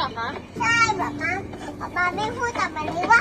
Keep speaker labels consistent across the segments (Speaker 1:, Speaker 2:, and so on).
Speaker 1: อคะ
Speaker 2: ใช่แบบนั้นป๊าไม่พูดกับมันเลยว่า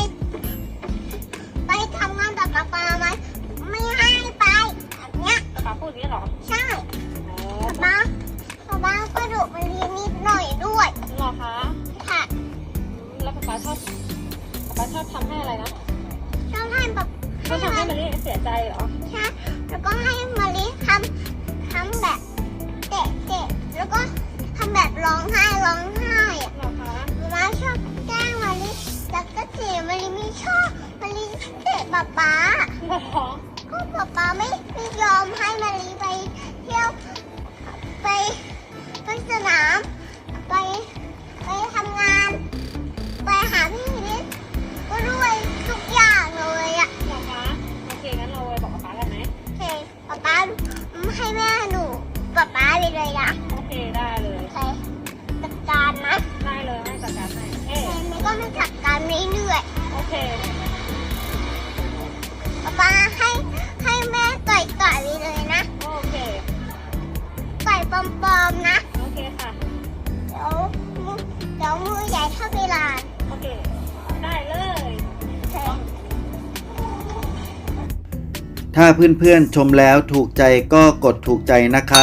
Speaker 2: ไปทำงานกับป๊าไหมไม่ให้ไปแบบเนี้ย
Speaker 1: ป๊าพูดอย่างนี้เหรอ
Speaker 2: ใช่ป๊าก็ดุมันเรียนนิดหน่อยด้วย
Speaker 1: หรอคะ
Speaker 2: ค่ะ
Speaker 1: แล้วป๊าชอบทำให้อะไรนะ
Speaker 2: ชอบให้แบบ
Speaker 1: ชอบทำให้มะลิเสียใจเหรอ
Speaker 2: ใช่แล้วก็ให้มะลิทำแบบเตะแล้วก็ทำแบบร้องไห้อ่ะ
Speaker 1: หรอคะ
Speaker 2: ป๊าชอบแกล้งมะลิแล้วก็เตะมะลิไม่ชอบมะลิเตะป๊า
Speaker 1: หรอ
Speaker 2: ก็ป๊าไม่ยอมให้มะลิไปเที่ยวไปสนามไปทำงานไปหาพี่นิดก็ด้วยทุกอย่างเลยอ่ะ
Speaker 1: หรอคะโอเคงั้นเราไปบอกป๊ากันไหม
Speaker 2: โอเคป๊าให้แม่หนูป๊าเลยนะ
Speaker 1: โอเคได้เลย
Speaker 2: โอเคจัดการนะ
Speaker 1: ได้เลยให้จัดการให้
Speaker 2: แม่ก็ไม่จัดการเรื่อย
Speaker 1: โอเค
Speaker 2: ป๊าให้แม่ไก่เลยนะ
Speaker 1: โอเค
Speaker 2: ไก่ปลอมๆนะ
Speaker 1: โอเคค่ะ
Speaker 2: เดี๋ยวมือใหญ่เท่าเวลา
Speaker 1: โอเคได้เลย
Speaker 3: ถ้าเพื่อนๆชมแล้วถูกใจก็กดถูกใจนะครับ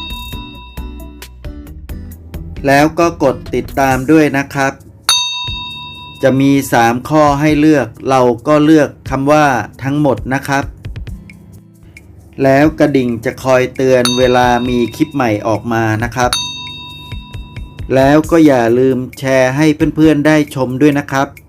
Speaker 3: แล้วก็กดติดตามด้วยนะครับจะมี3ข้อให้เลือกเราก็เลือกคำว่าทั้งหมดนะครับแล้วกระดิ่งจะคอยเตือนเวลามีคลิปใหม่ออกมานะครับแล้วก็อย่าลืมแชร์ให้เพื่อนๆได้ชมด้วยนะครับ